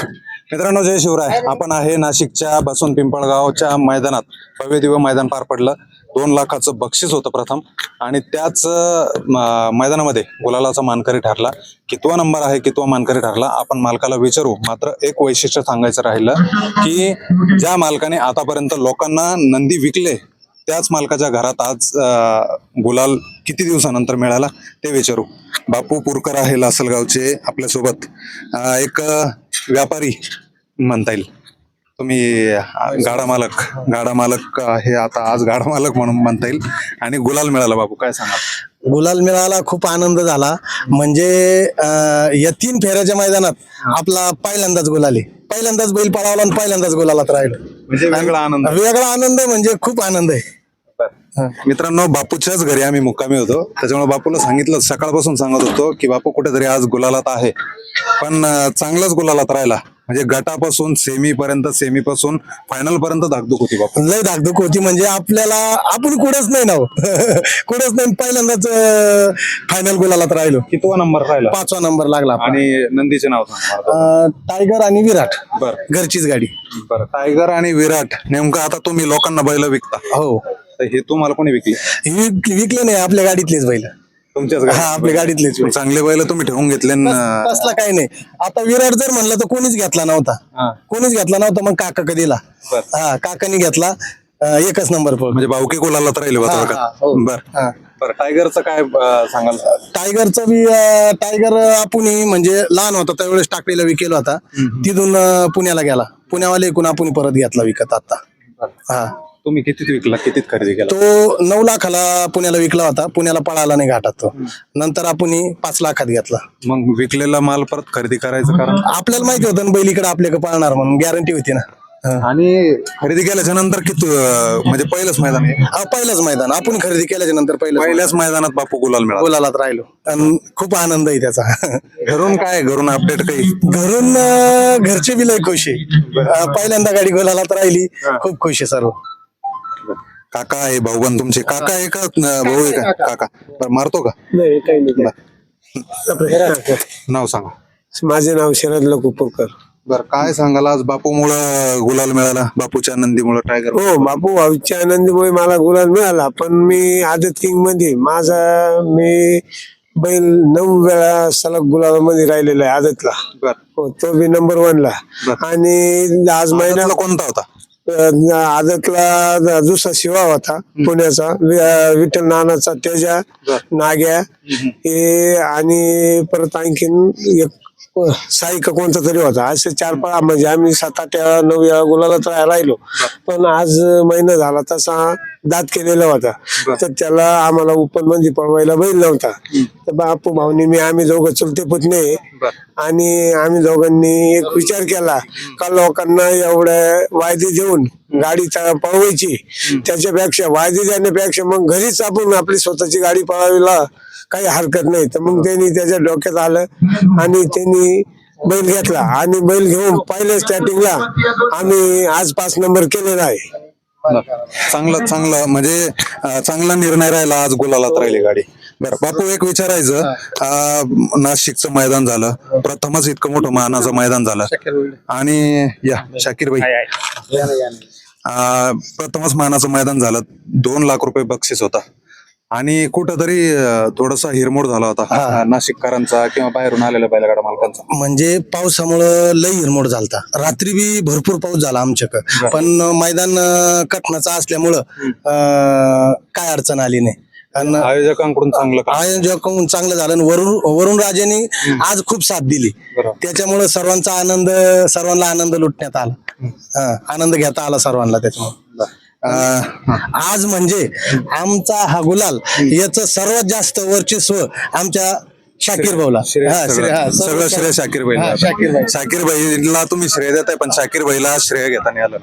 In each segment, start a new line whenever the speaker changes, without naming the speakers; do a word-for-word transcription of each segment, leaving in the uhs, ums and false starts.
मित्रांनो, जय शिवराय. आपण आहे नाशिकच्या बसून पिंपळगावच्या मैदानात. भव्य दिव्य मैदान पार पडलं. दोन लाखाचं बक्षीस होतं प्रथम, आणि त्याच मैदानामध्ये गुलालाचा मानकरी ठरला. कितवा नंबर आहे, कितवा मानकरी ठरला, आपण मालकाला विचारू. मात्र एक वैशिष्ट्य सांगायचं राहिलं की ज्या मालकाने आतापर्यंत लोकांना नंदी विकले, त्याच मालकाच्या घरात आज गुलाल किती दिवसानंतर मिळाला ते विचारू. बापू पुरकर आहे लासलगावचे आपल्यासोबत. एक व्यापारी म्हणता येईल तुम्ही, गाडा मालक गाडा मालक आहे आता, आज गाडा मालक म्हणून म्हणता येईल. आणि गुलाल मिळाला. बापू काय सांगा?
गुलाल मिळाला, खूप आनंद झाला. म्हणजे या तीन फेऱ्याच्या मैदानात आपला पहिल्यांदाच गुलाल आहे. पहिल्यांदाच बैल पळावला आणि पहिल्यांदाच गुलालात राहिलो.
म्हणजे वेगळा आनंद.
वेगळा आनंद म्हणजे खूप आनंद आहे.
मित्रांनो, बापूच्याच घरी आम्ही मुक्कामी होतो, त्याच्यामुळे बापूला सांगितलं, सकाळपासून सांगत होतो की बापू कुठेतरी आज गुलालात आहे. पण चांगलाच गुलालात राहिला. म्हणजे गटापासून सेमी पर्यंत, सेमी पासून फायनल पर्यंत धाकधूक होती. बापू
लय धाकधूक होती. म्हणजे आपल्याला आपण कुठंच नाही ना कुठंच नाही. पहिल्यांदाच फायनल गुलालात राहिलो.
कितवा नंबर राहिला?
पाचवा नंबर लागला.
आणि नंदीचे नाव सांग.
टायगर आणि विराट.
बरं,
घरचीच गाडी.
बरं. टायगर आणि विराट. नेमकं आता तुम्ही लोकांना बैल विकता?
हो.
हे तुम्हाला कोणी विकले?
विकले नाही, आपल्या गाडीतलेच बैल.
तुमच्याच?
हा, आपल्या गाडीतलेच.
चांगले बैल तुम्ही ठेवून घेतले.
तसला काही नाही. आता विराट जर म्हणलं तर कोणीच घेतला नव्हता. कोणीच घेतला नव्हता. मग काका कधीला हा काकानी घेतला. एकच नंबर पळ.
म्हणजे भाऊकी गुलाला तर राहिले. बर बर. टायगरचं काय सांगाल?
टायगरचं बी टायगर आपण म्हणजे लहान होता त्यावेळेस टाकलेला विकेला होता. तिथून पुण्याला गेला. पुण्यावाले एकूण आपण परत घेतला विकत आता. हा.
तुम्ही कितीत विकला, कितीत खरेदी केला?
तो नऊ लाखाला पुण्याला विकला होता. पुण्याला पळाला नाही घाटात तो. नंतर आपण पाच लाखात घेतला.
मग विकलेला माल परत खरेदी करायचं कारण?
आपल्याला माहिती होतं ना बैल इकडे आपल्याकडे पळणार म्हणून, गॅरंटी होती ना.
आणि खरेदी केल्याच्या नंतर किती, म्हणजे पहिलंच मैदान आहे?
हा, पहिलंच मैदान. आपण खरेदी केल्याच्या नंतर पहिलं
पहिल्याच मैदानात बापू गुलाल मिळाला.
गुलालात राहिलो आणि खूप आनंद आहे त्याचा.
घरून काय, घरून अपडेट काही?
घरून घरचे बी लय खुश आहे. पहिल्यांदा गाडी गुलालात राहिली. खूप खुश आहे सर्व.
काका आहे, भाऊबंद तुमचे? काका आहे का भाऊ आहे का? काका. बरं, मारतो का?
नाही, काही नाही.
नाव सांगा.
माझे नाव शरद लकुपुरकर.
बर, काय सांगाल आज बापूमुळं गुलाल मिळाला? बापूच्या आनंदीमुळे टायगर?
हो, बापू भाऊच्या आनंदीमुळे मला गुलाल मिळाला. पण मी आदत किंग मध्ये माझा मी बैल नऊ वेळा सलग गुलाबामध्ये राहिलेला आहे आदतला.
बर.
हो, तो बी नंबर वन ला. आणि आज महिन्याला
कोणता होता?
आदतला दुसरा शिवा होता पुण्याचा, विठ्ठल नानाचा तेजा, नाग्या हे, आणि परत आणखीन एक साई का कोणता तरी होता. असे चार पाच, म्हणजे आम्ही सात आठ वेळा नऊ वेळा गुलालात राहिलो. पण आज महिना झाला तसा दात केलेला होता, तर त्याला आम्हाला ओपन मध्ये पळवायला बैल नव्हता. तर बापू भाऊनी मी आम्ही दोघं चुलते पुतणे, आणि आम्ही दोघांनी एक विचार केला का लोकांना एवढ्या वायदे देऊन गाडी पळवायची, त्याच्यापेक्षा वायदे देण्यापेक्षा मग घरीच आपण आपली स्वतःची गाडी पळवायला काही हरकत नाही. तर मग त्यांनी त्याच्या डोक्यात आलं आणि त्यांनी बैल घेतला. आणि बैल घेऊन पहिल्या स्टार्टिंगला आम्ही आज पाच नंबर केलेला आहे.
चांगलं चांगलं म्हणजे चांगला निर्णय राहिला. आज गुलालात राहिली गाडी. बरं बापू, एक विचारायचं, नाशिकचं मैदान झालं, प्रथमच इतकं मोठं मानाचं मैदान झालं, आणि या शाकीर भाई प्रथमच मानाचं मैदान झालं. दोन लाख रुपये बक्षीस होता, आणि कुठंतरी थोडासा हिरमोड झाला होता नाशिककरांचा किंवा बाहेरून आलेल्या बैलगाडा मालकांचा.
म्हणजे पावसामुळं लई हिरमोड झालता. रात्री बी भरपूर पाऊस झाला आमच्याकडं, पण मैदान कटनाचं असल्यामुळं काय अडचण आली नाही.
आयोजकांकडून चांगलं
आयोजकांकडून चांगलं झालं. वरुण वरुण राजेने आज खूप साथ दिली, त्याच्यामुळे सर्वांचा आनंद, सर्वांना आनंद लुटण्यात आला, आनंद घेता आला सर्वांना त्याच्यामुळे. आज म्हणजे आमचा हा गुलाल याच सर्वात जास्त वर्चस्व आमच्या शाकीर भाऊला.
सगळं श्रेय शाकीर भाईला. शाकीर भाईला तुम्ही श्रेय देताय, पण शाकीर भाईला श्रेय घेता नाही आलं.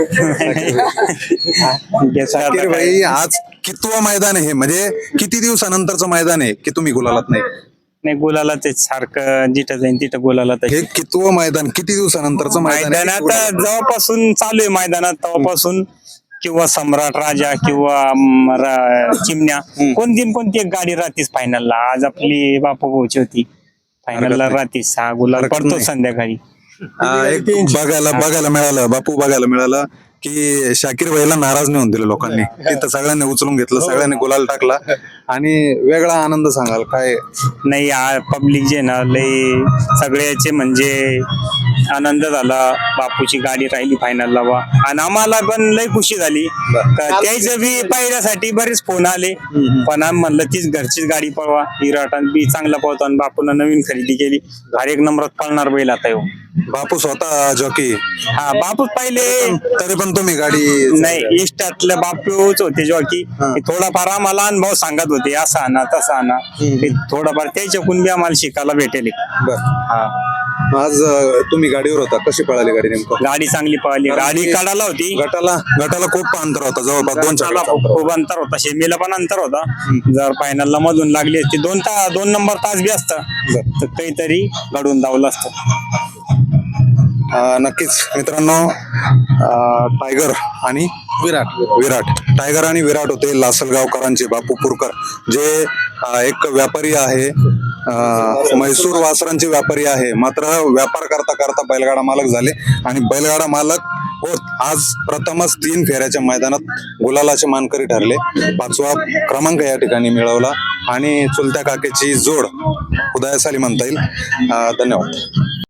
शाकीर भाई, आज कितवं मैदान आहे, म्हणजे किती दिवसानंतरचं मैदान आहे की तुम्ही गुलालात नाही?
नाही, गुलाला ते सारखं जिथं जाईन तिथं गुलाला.
हे कितवं मैदान, किती दिवसानंतरचं मैदान?
मैदानात जेव्हापासून चालू आहे मैदानात तेव्हापासून, किंवा सम्राट राजा किंवा चिमण्या, कोणती कोणती एक गाडी राहतीच फायनलला. आज आपली बापू भाऊची होती फायनलला राहतीच. सहा गुलाल पडतो संध्याकाळी.
अं, एक बघायला बघायला मिळालं बापू बघायला मिळालं की शाकीर भाईला नाराज नाही होऊन दिलं लोकांनी. तिथं सगळ्यांनी उचलून घेतलं, सगळ्यांनी गुलाल टाकला आणि वेगळा आनंद सांगाल काय?
नाही पब्लिक जे ना लय सगळ्याचे म्हणजे आनंद झाला. बापूची गाडी राहिली फायनलला बा आणि आम्हाला पण लय खुशी झाली. त्याचं बी पाहिल्यासाठी बरेच फोन आले पण आम्ही म्हणलं तीच घरचीच गाडी पळवा. विराट बी चांगला पळतो आणि बापून नवीन खरेदी केली. हर एक नंबरात पळणार बैल आता येऊ.
बापू स्वतः जॉकी?
हा बापू पहिले
तरी पण तुम्ही गाडी
नाही इष्टातले बापूच होते जॉकी. थोडाफार आम्हाला अनुभव सांगत होते असा ना तसा ना. थोडाफार त्याच्याकडून बी आम्हाला शिकायला भेटेल. हा
आज अं, तुम्ही गाडीवर होता, कशी पळाली गाडी नेमकं?
गाडी चांगली पळाली. गाडी काढायला होती.
गटाला गटाला खूप अंतर होता, जवळपास दोन
त्याला खूप अंतर होता. शेमीला पण अंतर होता. जर फायनलला मधून लागली असती दोन तास दोन नंबर तास बी असता तर काहीतरी घडून धावलं असतं.
अं, नक्कीच मित्रांनो, अं, टायगर आणि विराट विराट टायगर आणि विराट होते लासलगावकरांचे बापू पुरकर, जे अं, एक व्यापारी आहे, अं, म्हैसूर वासरांचे व्यापारी आहे. मात्र व्यापार करता करता बैलगाडा मालक झाले आणि बैलगाडा मालक होत आज प्रथमच तीन फेऱ्याच्या मैदानात गुलालाचे मानकरी ठरले. पाचवा क्रमांक या ठिकाणी मिळवला आणि चुलत्या काकेची जोड उदयास आली म्हणता येईल. अं, धन्यवाद.